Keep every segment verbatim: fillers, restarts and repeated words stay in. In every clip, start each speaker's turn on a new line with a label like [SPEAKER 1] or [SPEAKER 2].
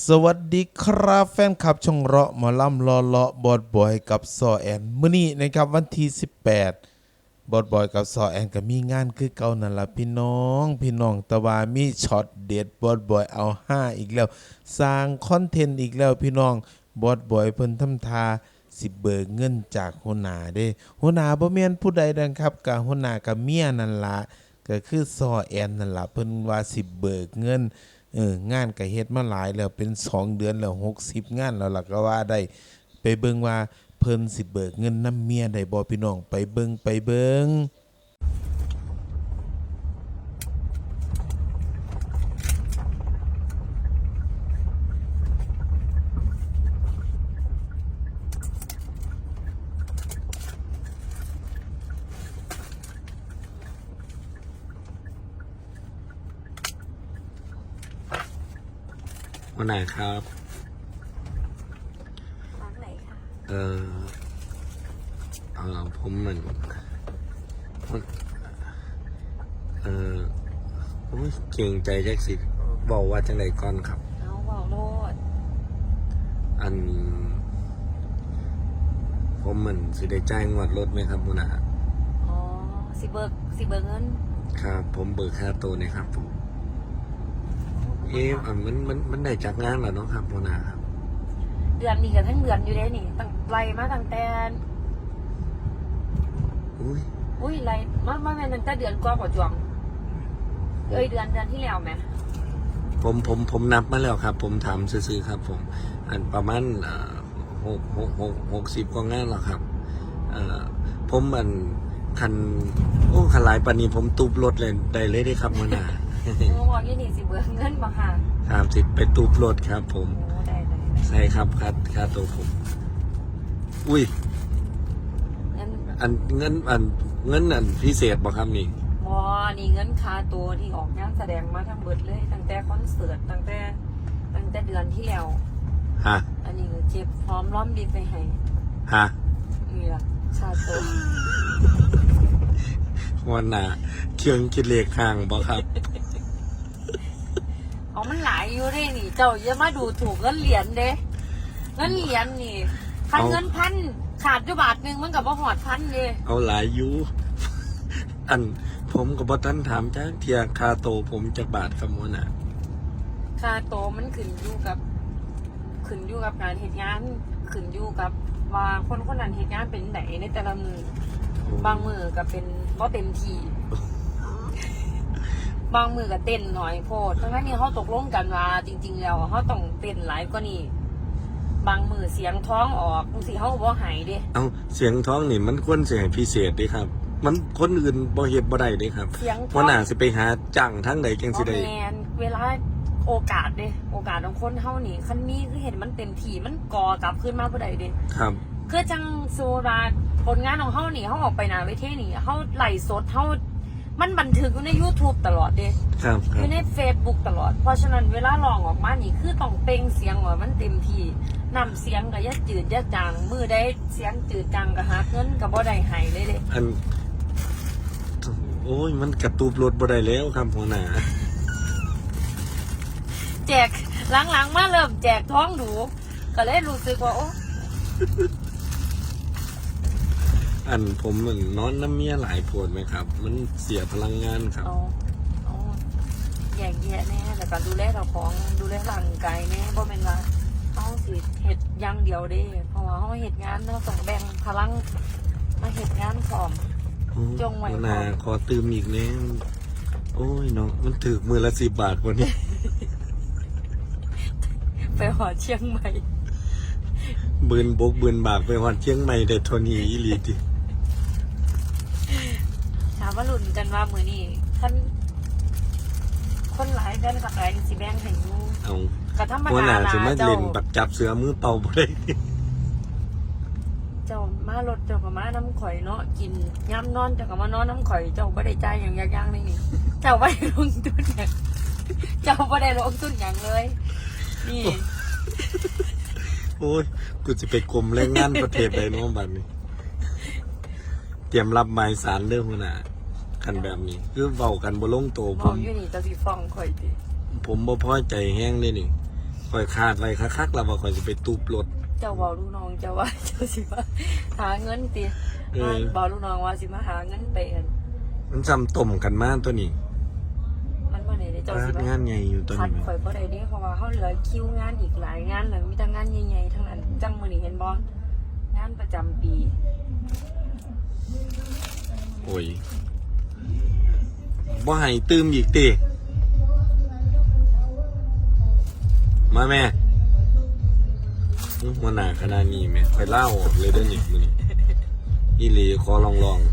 [SPEAKER 1] สวัสดีครับแฟนคลับช่องเราะหมอลำรอเลาะบอดบอยกับซอแอนมื้อนี้นะครับวันที่สิบแปดบอดบอยกับซอแอนก็มีงานคือเก่านั่นล่ะพี่น้องพี่น้องแต่ว่ามีช็อตเด็ดบอดบอยเอาห้าอีกแล้วสร้างคอนเทนต์อีกแล้วพี่น้องบอดบอยเพิ่นทำทาสิเบิกเงินจากหัวหน้าเด้หัวหน้าบ่แม่นผู้ใดดังครับก็หัวหน้ากับเมียนั่นล่ะก็คือซอแอนนั่นล่ะเพิ่นว่าสิเบิกเงินเอองานก็เฮ็ดมาหลายแล้วเป็นสองเดือนแล้วหกสิบงานแล้วล่ะก็ว่าได้ไปเบิ่งว่าเพิ่นสิเบิกเงินนำเมียได้บ่พี่น้องไปเบิ่งไปเบิ่ง
[SPEAKER 2] วันไหนครับ
[SPEAKER 3] ร้านไหนคะ
[SPEAKER 2] เออเออผมเหมือนเออผมเก่งใจแจ็คสิบอกว่าจังไรก่อนครับ
[SPEAKER 3] เอาเบาโลด
[SPEAKER 2] อัน ผมเหมือนสิได้จ่ายงวดรถไหมครับมุนา
[SPEAKER 3] อ๋อสิเบิกสิเบิกเงิน
[SPEAKER 2] ครับ ผมเบิกค่าตัวนี่ครับผมเอ๊ะอันมันมันมันได้จากงานแล้วเนาะครับมุนาครับ
[SPEAKER 3] เดือนนี้กับทั้งเดือนอยู่ได้นี่ตั้งไล่มาตั้งแต่
[SPEAKER 2] อุ้ย
[SPEAKER 3] อุ้ยไล่มามาแม่นตั้งแต่เดือนกว่าพอจวงเอ้ยเดือนเดือนที่แล้วไหม
[SPEAKER 2] ผมผมผมนับมาแล้วครับ ผมถามซื้อๆครับ ผม อันประมาณเอ่อหกหกหกหกสิบกว่างานแล้วครับ เอ่อผมอันคันโอ้คันหลายปานนี้ผมตูบรถเลยได้เลยได้ครับมื่อหน้า
[SPEAKER 3] โอ้บอกยี่นี่สิเบิกเงินบ่ค่ะ
[SPEAKER 2] ครับสิไปตูบรถครับ ผม
[SPEAKER 3] โอ้ได้ได้
[SPEAKER 2] ใช่ครับค่าค่าตัวผม อุ้ย
[SPEAKER 3] เงิน
[SPEAKER 2] อันเงินอันเงินอันพิเศษบ่ครับนี่
[SPEAKER 3] บอนี่เงินค่าตัวที่ออกงานแสดงมาทั้งเบิดเลยตั้งแต่คอนเสิร์ตตั้งแต่ตั้งแต่เดือนที่แล้ว
[SPEAKER 2] ฮะ
[SPEAKER 3] อันนี้คือเจ็บพร้อมล้อมดีไปให้
[SPEAKER 2] ฮะ
[SPEAKER 3] นี่ล่ะค่าตัว
[SPEAKER 2] วันหน้าเครื่องคิดเลขห่างบ่ครับ
[SPEAKER 3] เอามันหลายอยู่เด้นี่ เจ้าอย่ามาดูถูกเงินเหรียญเด้เงินเหรียญนี่คัน
[SPEAKER 2] เอา
[SPEAKER 3] เงินพันขาดอยู่บาทหนึ่งมันกับว่าหอดพันเด้
[SPEAKER 2] เอาหลายอยูอันผมกับบ่ทันถามจ้าเทียค่าโตวผมจักบาทครับมื่อหน้า
[SPEAKER 3] ค่าโตมันขึ้นอยู่กับ ขึ้นอยู่กับการเหตุงานขึ้นอยู่กับว่าคนคนนั้นเหตุงานเป็นไหนในแต่ละมือบางมือก็เป็นก็เต็มที่บางมือก็เต้นหน่อยโพดทั้งนั้นนี่เขาตกลงกันว่าจริง ๆ แล้วเขาต้องเต้นหลายกว่านี้บางมือเสียงท้องออกบางทีเขาบ่หายเด้
[SPEAKER 2] เอาเสียงท้องนี่มันควรเสียงพิเศษเด้ครับ มันคนอื่นบ่เฮ็ดบ่ได้เด้ครับ
[SPEAKER 3] เสียงท้
[SPEAKER 2] ว่า
[SPEAKER 3] อง
[SPEAKER 2] น่าสิไปหาจ้างทั้งใดจังสิได้
[SPEAKER 3] แมนเวลาโอกาสเด้โอกาสของคนเฮานี่คันนี้คือเห็นมันเต็มที่มันก่อกลับขึ้นมาบ่ได้เด้
[SPEAKER 2] ครับ
[SPEAKER 3] คือจังโซราผลงานของเฮานี่เฮาออกไปหน้าเวทีนี่เฮาไลฟ์สดเฮามันบันทึกอยู่ใน YouTube ตลอดเด้
[SPEAKER 2] ครับค
[SPEAKER 3] อ
[SPEAKER 2] รับ
[SPEAKER 3] ยู่ใน Facebook ตลอดเพราะฉะนั้นเวลาร้องออกมานี่คือต้องเปล่งเสียงว่ามันเต็มที่นำเสียงก็อย่าจืดอย่าจางมือได้เสียงจืดจางก็หาเงินก็บ่ได้ให้เลยเด้
[SPEAKER 2] อัน โอ้ยมันกระตูบรถบ่ได้แล้วครับหัวหน้า
[SPEAKER 3] แจกหลังๆมาเริ่มแจกท้องหนูก็เลยรู้สึกว่าโอ้
[SPEAKER 2] อันผมเหมือนนอนน้ำเมียหลายโพดไหมครับ มันเสียพลังงานครับ
[SPEAKER 3] เอาเอาแยกแยะแน่แล้วก็ดูแลเราของดูแลร่างกายแน่บ่แม่นว่าเฮาสิเฮ็ดอย่างเดียวเด้เพราะว่าเฮาเฮ็ดงานเราต้องแบ่งพลังมาเฮ็ดงานพร้อม จงไว้
[SPEAKER 2] หัวหน้า
[SPEAKER 3] ก่อน
[SPEAKER 2] ขอตืมอีกแน่โอ้ยเนาะมันถือมือละสิบบาทวันนี้
[SPEAKER 3] ไปหอเชียงใหม่
[SPEAKER 2] บืนบกบืนบากไปฮอดเชียงใหม่ได้เทานี้อีหลีติ
[SPEAKER 3] ถามว่าลุ้นกันว่ามื้อนี้คันคนหลายแฟนคลับหลายสิแบ่งให้อยู่
[SPEAKER 2] เอา
[SPEAKER 3] ก็ธรรม
[SPEAKER 2] หัวห
[SPEAKER 3] ดา
[SPEAKER 2] น้า
[SPEAKER 3] ล่ะ
[SPEAKER 2] สิมา
[SPEAKER 3] เจ้า
[SPEAKER 2] เล่นบักจับเสือมือเป่าบ่ได้
[SPEAKER 3] เจ้ามารถเจ้าก็มาน้ำข่อยเนาะกินย่ำนอนเจ้าก็มานอนน้ำข่อยเจ้าบ่ได้จ่ายอย่างยากๆนี่นี่เจ้าบ่ได้ลงทุนอย่างเจ้าบ่ได้ลงทุนอย่างเลย นี่
[SPEAKER 2] โอ้ยกูจะไปกรมแรงงานประเทศใดเน้องบัดนี้ เตรียมรับหมายสารเรื่องหัวหน้ากันแบบนี้ คือเว้ากันบ่ลงโตว
[SPEAKER 3] ม
[SPEAKER 2] ผ
[SPEAKER 3] อง
[SPEAKER 2] ม
[SPEAKER 3] อยู่นี่เจ้าสิฟ้องข่อยติ
[SPEAKER 2] ผมบ่พอใจแห้งเลยนี่คอยคาดไว้คักๆแล้วว่าคอยจะไปตูบรถ
[SPEAKER 3] เจ้าบอกลูกน้องเจ้าว่าเจ้าสิมาหาเงินติ
[SPEAKER 2] เออ
[SPEAKER 3] บอกลูกน้องว่าสิมาหาเงินไปอัน
[SPEAKER 2] มันจำต่มกันมากตัวนี้
[SPEAKER 3] มันบ่ได้เด้เจ้าสิ
[SPEAKER 2] พนั
[SPEAKER 3] มาก
[SPEAKER 2] งานใหญ่อยู่ตัว
[SPEAKER 3] คัด
[SPEAKER 2] นี้
[SPEAKER 3] ข่อยบ่ได้เด้เพราะว่าเฮาเหลือคิวงานอีกหลายงานเลยมีแต่งานใหญ่ๆทั้งนั้นจังมื้อนี้เห็นบ่งานประจำปี
[SPEAKER 2] โอ้ยบ่ให้ตื้มอีกติมาแม่อื้อหัวหน้าขนาดนี้แม่คอยเล่าออกเลยเด้อนี่มื้อนี้อีหลีขอลองลอง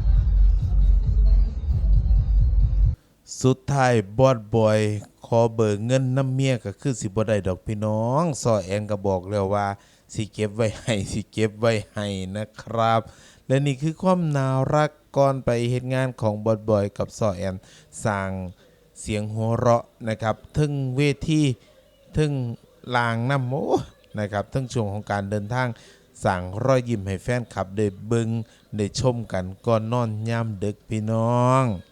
[SPEAKER 1] สุดท้ายบอดบอยขอเบิกเงินน้ำเมียก็คือสิบ่ได้ดอกพี่น้องซอแอนก็บอกแล้วว่าสิเก็บไว้ให้สิเก็บไว้ให้นะครับ และนี่คือความน่ารักก่อนไปเฮ็ดงานของบอดบอยกับซอแอนสร้างเสียงหัวเราะนะครับทึ่งเวทีทึ่งลางน้ำโอ้นะครับทึ่งช่วงของการเดินทางสั่งรอยยิ้มให้แฟนคลับได้เบิงได้ชมกันก่อนนอนยามดึกพี่น้อง